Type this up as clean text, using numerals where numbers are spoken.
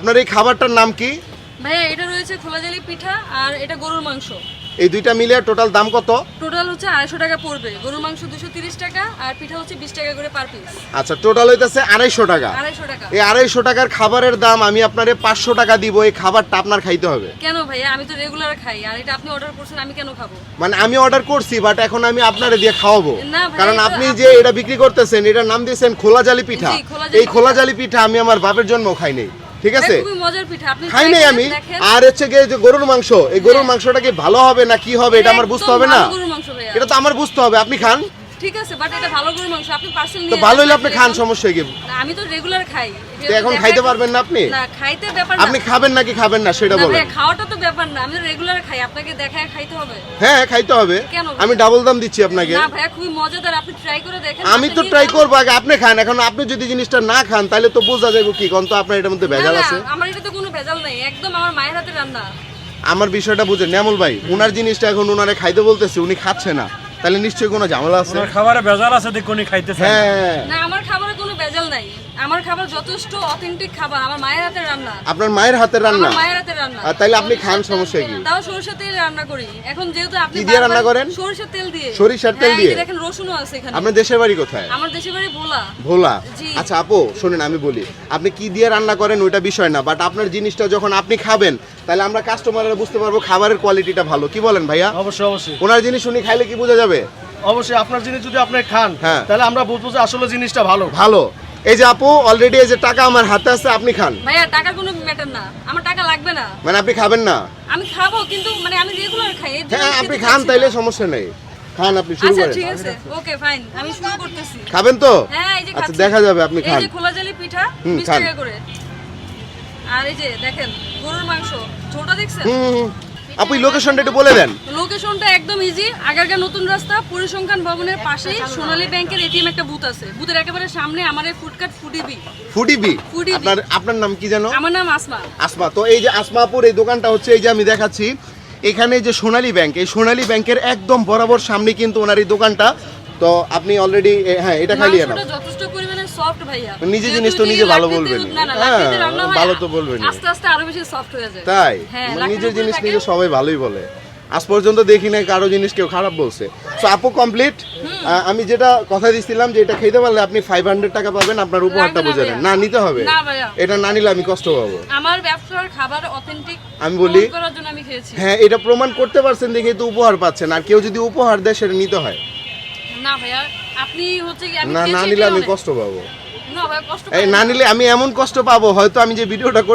আপনার এই খাবারটার নাম কি? ভাইয়া এটা রয়েছে খোলাজালি পিঠা আর এটা গরুর মাংস। এই দুইটা মিলে টোটাল দাম কত? টোটাল হচ্ছে 250 টাকা পড়বে। গরুর মাংস 230 টাকা আর পিঠা হচ্ছে 20 টাকা করে পার পিস। আচ্ছা, টোটাল হইতাছে 250 টাকা। 250 টাকা। এই 250 টাকার খাবারের দাম আমি আপনারে 500 টাকা দিব। এই খাবারটা আপনার খাইতে হবে। কেন ভাইয়া? আমি তো রেগুলার খাই আর এটা আপনি অর্ডার করছেন, আমি কেন খাবো? মানে আমি অর্ডার করছি, বাট এখন আমি আপনারে দিয়ে খাওয়াবো। না ভাই, কারণ এটা আপনি যে এটা বিক্রি করতেছেন এটার নাম দিয়েছেন খোলাজালি পিঠা। জি, খোলাজালি এই খোলাজালি পিঠা আমি আমার বাপের জন্মও খাই নাই, ঠিক আছে? খুবই মজার পিঠা, আপনি খাই try নাই করে আমি। দেখেন। আর হচ্ছে গিয়ে যে গরুর মাংস, এই গরুর মাংসটা কি ভালো হবে না কি হবে এটা আমার বুঝতে হবে না? একদম ভালো গরুর মাংস ভাইয়া। এটা তো আমার বুঝতে হবে। আপনি খান ঠিক আছে, বাট এটা ভালো গরুর মাংস, আপনি পার্সেল তো নিয়ে ভালো হইলে যান। আপনি খান, সমস্যা কি? না, আমি তো রেগুলার খাই। তো এখন খাইতে পারবেন না আপনি? না, খাইতে ব্যাপার না। আপনি খাবেন নাকি খাবেন না সেটা না বলেন। ভাইয়া, খাওয়াটা তো ব্যাপার না, আমি তো রেগুলার খাই, আপনাকে দেখায় খাইতে হবে। হ্যাঁ, খাইতে হবে। কেন ভাইয়া? আমি ডাবল দাম দিচ্ছি আপনাকে। না ভাইয়া, খুবই মজাদার, আপনি ট্রাই করে দেখেন। আমি তো ট্রাই করবো, আগে আপনি খান। এখন আপনি যদি জিনিসটা না খান তাহলে তো বোঝা যাবে কি কোন, তো আপনার এটার মধ্যে ভেজাল আছে। আমার এটা তো কোনো ভেজাল নাই, একদম আমার মায়ের হাতে রান্না। আমার বিষয়টা বুঝেন ন্যামল ভাই, উনার জিনিসটা এখন উনারে খাইতে বলতেছে, উনি খাচ্ছে না, তাহলে নিশ্চয়ই কোনো ঝামেলা আছে। ওনার খাবারে ভেজাল আছে দেখে উনি খাইতেছে না। হ্যাঁ, না, আমার খাবারে কোনো ভেজাল নাই, আমার খাবার যথেষ্ট অথেন্টিক খাবার, আমার মায়ের হাতে রান্না। আপনার মায়ের হাতের রান্না? আমার মায়ের হাতে রান্না। আর তাইলে আপনি খান, সমস্যা কি? তাও সরিষার তেল রান্না করি। এখন যেহেতু আপনি কি দিয়ে রান্না বারবার- করেন? সরিষার তেল দিয়ে। সরিষার তেল হ্যাঁ, এই দিয়ে? যে দেখেন রসুনও আছে এখানে। আপনার দেশের বাড়ি কোথায়? আমার দেশের বাড়ি ভোলা। ভোলা? জি। আচ্ছা আপু শোনেন, আমি বলি, আপনি কি দিয়ে রান্না করেন ওইটা বিষয় না, বাট আপনার জিনিসটা যখন আপনি খাবেন তাহলে আমরা কাস্টমাররা বুঝতে পারবো খাবারের কোয়ালিটিটা ভালো। কি বলেন ভাইয়া? অবশ্যই অবশ্যই ওনার জিনিস উনি খাইলে কি বোঝা যাবে? অবশ্যই আপনার জিনিস যদি আপনি খান হ্যাঁ। তাহলে আমরা বুঝবো যে আসলে জিনিসটা ভালো। ভালো। এই যে আপু অলরেডি এই যে টাকা আমার হাতে আছে, আপনি খান। ভাইয়া, টাকার কোনো ম্যাটার না, আমার টাকা লাগবে না। মানে আপনি খাবেন না? আমি খাবো, কিন্তু মানে আমি রেগুলার খাই, এর জন্য হ্যাঁ, আমি আপনি খেতে খান, চাচ্ছি তাইলে না। সমস্যা নেই। খান, আপনি শুরু আচ্ছা করেন। ঠিক আছে, ওকে ফাইন, আমি শুরু করতেছি। খাবেন তো? হ্যাঁ, এই যে আচ্ছা, খাচ্ছি। দেখা যাবে, আপনি এই খান। যে খোলাজালি পিঠা 20 খান। টাকা করে। আর এই যে দেখেন গরুর মাংস, ছোটটা দেখছেন? হুম, আপু লোকেশনটা একটু বলে দেন। লোকেশনটা একদম ইজি, আগারগাঁ নতুন রাস্তা পরিসংখ্যান ভবনের পাশেই সোনালী ব্যাংকের এটিএম একটা বুথ আছে, বুথের একেবারে সামনে আমার এই ফুডকার্ট ফুডিবি। ফুডিবি? ফুডিবি। আপনার নাম কি জানো? আমার নাম আসমা। আসমা। তো এই যে আসমাপুর এই দোকানটা হচ্ছে এই যে আমি দেখাচ্ছি, এখানে যে সোনালী ব্যাংক, এই সোনালী ব্যাংকের একদম বরাবর সামনে কিন্তু ওনার এই দোকানটা। তো আপনি অলরেডি হ্যাঁ এটা খাইয়ে নাও। মাংসটা যথেষ্ট পরিমাণে সফট ভাইয়া। নিজে যেহেতু জিনিস তো এটি নিজে ভালো লাকড়িতে- বলবেন। না না, হ্যাঁ, লাকড়িতে রান্না হয়, ভালো তো বলবেনই। আস্তে আস্তে আরো বেশি সফট হয়ে যায়। তাই? হ্যাঁ, মানে লাকড়ির নিজের উপরে জিনিস থাকে। নিজে সবাই ভালোই বলে। আজ পর্যন্ত দেখি না কারো জিনিস কেউ খারাপ বলছে। সো আপু কমপ্লিট। আমি যেটা কথা দিছিলাম যে এটা খেতে পারলে আপনি 500 টাকা পাবেন, আপনার উপহারটা লাগবে না বুঝে নেন। ভাইয়া। না, নিতে হবে। না ভাইয়া। এটা না নিলে আমি কষ্ট পাবো। আমার ব্যবসার খাবার অথেন্টিক আমি বলি করার জন্য আমি খেয়েছি। হ্যাঁ, এটা প্রমাণ করতে পারছেন দেখে তো উপহার পাচ্ছেন। আর কেউ যদি উপহার দেয় সেটা নিতে হয়। না ভাইয়া, আপনি হচ্ছে কি আমি না, না খেয়েছি নিলে এটাই আমি অনেক। কষ্ট পাবো। না ভাইয়া, কষ্ট এই পাবেন না না। নিলে আমি এমন কষ্ট পাবো, হয়তো আমি যে ভিডিওটা